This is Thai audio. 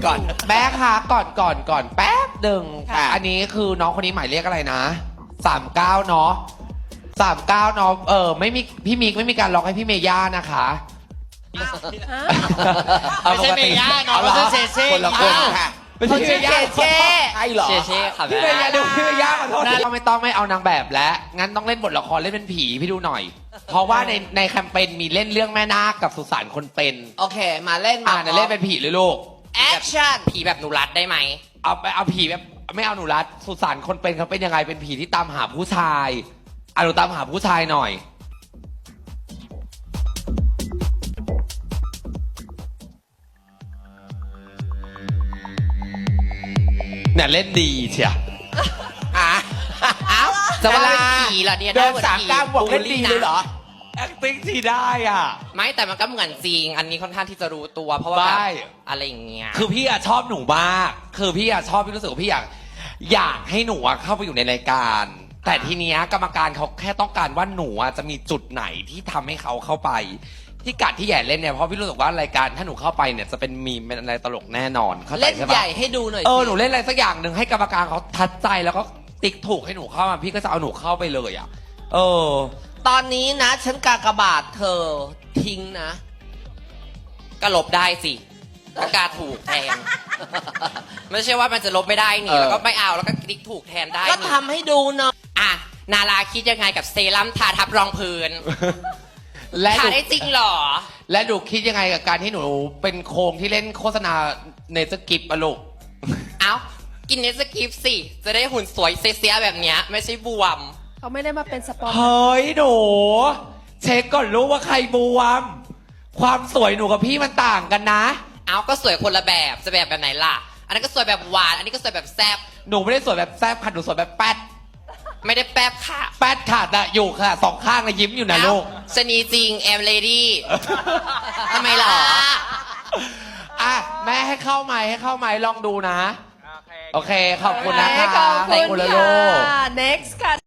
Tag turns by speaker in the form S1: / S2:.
S1: ก่อน
S2: แม่คะก่อนแป๊บหนึ่ง
S1: ค่ะ
S2: อันนี้คือน้องคนนี้หมายเลขอะไรนะ39เนาะ39เนาะไม่มีพี่มิกไม่มีการล็อกให้พี่เมย่านะคะ
S3: ไม่ใช่เมย่าเนาะไม่ใช่เซเซ่
S2: คนละคนค่ะไม่ใช่เมย่า
S1: ใช่เหรอ
S3: เซเซ่ค่ะ
S2: พี่เมย่าดูพี่เมย่าขอโทษไม่ต้องไม่เอานางแบบแล้วงั้นต้องเล่นบทละครเล่นเป็นผีพี่ดูหน่อย เพราะว่าในแคมเปญมีเล่นเรื่องแม่นาคกับสุสานคนเป็น
S1: โอเค มาเล่นมา
S2: เล่นเป็นผีเลยลูก
S1: แอคชั่น
S3: ผีแบบหนูรัดได้ไหม
S2: เอาผีแบบไม่เอาหนูรัดสุสานคนเป็นเขาเป็นยังไงเป็นผีที่ตามหาผู้ชายหนูตามหาผู้ชายหน่อยเนี่ยเล่นดีเชีย
S1: อ้าว
S3: จะว่าเป็นผีเหรอเนี่ย
S1: เดิน
S3: หมือ
S1: 39 บวกเล่นดีเลยเหรอ
S2: acting ที่ได้อ่ะ
S3: ไม่แต่มันก็เหมือนจริง อันนี้ค่อนข้างที่จะรู้ตัว เพราะว่าแบบ
S2: ได้
S3: อะไรอย่างเงี้ย
S2: คือพี่ชอบหนูมาก คือพี่ชอบพี่รู้สึกว่าพี่อยากให้หนูเข้าไปอยู่ในรายการ แต่ทีเนี้ยกรรมการเขาแค่ต้องการว่าหนูจะมีจุดไหนที่ทำให้เขาเข้าไป ที่กัดที่แย่เล่นเนี่ยเพราะพี่รู้สึกว่ารายการถ้าหนูเข้าไปเนี่ยจะเป็นมีมเป็นอะไรตลกแน่นอนเข้าใจ
S1: เล่น
S2: ใช่
S1: ให
S2: ปะ
S1: ญ่ให้ดูหน่อย
S2: หนูเล่นอะไรสักอย่างหนึ่งให้กรรมการเขาทัดใจแล้วก็ติ๊กถูกให้หนูเข้ามาพี่ก็จะเอาหนูเข้าไปเลยอ่ะ
S1: ตอนนี้นะ ฉันกากบาทเธอทิ้งนะ
S3: ก็ลบได้สิก็กาถูกแทน ไม่ใช่ว่ามันจะลบไม่ได้นี่แล้วก็ไม่เอาแล้วก็คลิกถูกแทนได้
S1: ก็
S3: นี่
S1: ทำให้ดูหน่อย
S3: อ่ะนาราคิดยังไงกับเซรั่มทาทับรองพื้น
S2: และห
S3: ทา
S2: นู
S3: ได้จริงเหรอ
S2: และหนูคิดยังไงกับการที่หนูเป็นโครงที่เล่นโฆษณาในสกิปอะลูก
S3: เอ้า กินเนสกิฟสิ จะได้หุ่นสวยเสียๆแบบเนี้ยไม่ใช่บวม
S4: เขาไม่ได้มาเป็นสปอน
S2: เฮ้ยหนูเช็คก่อนรู้ว่าใครบวม ความสวยหนูกับพี่มันต่างกันนะ
S3: เอ้าก็สวยคนละแบบจะแบบไหนล่ะ อันนั้นก็สวยแบบหวาน อันนี้ก็สวยแบบแซ่บ
S2: หนูไม่ได้สวยแบบแซ่บค่ะหนูสวยแบบแป๊ด
S3: ไม่ได้แป๊บค่ะ
S2: แป๊ดค่ะแต่อยู่ค่ะสองข้างเลยยิ้มอยู่นะลูก
S3: ชะนีจริงแอมเลดี้ ทำไมหรอ
S2: อ่ะแม่ให้เข้าไหมให้เข้าไหมลองดูนะ โอเคขอบคุณนะ
S4: ข
S2: คะ
S4: อบคุณ
S2: แล้วลู
S4: ค่ะ
S2: ก
S4: next ค่ะ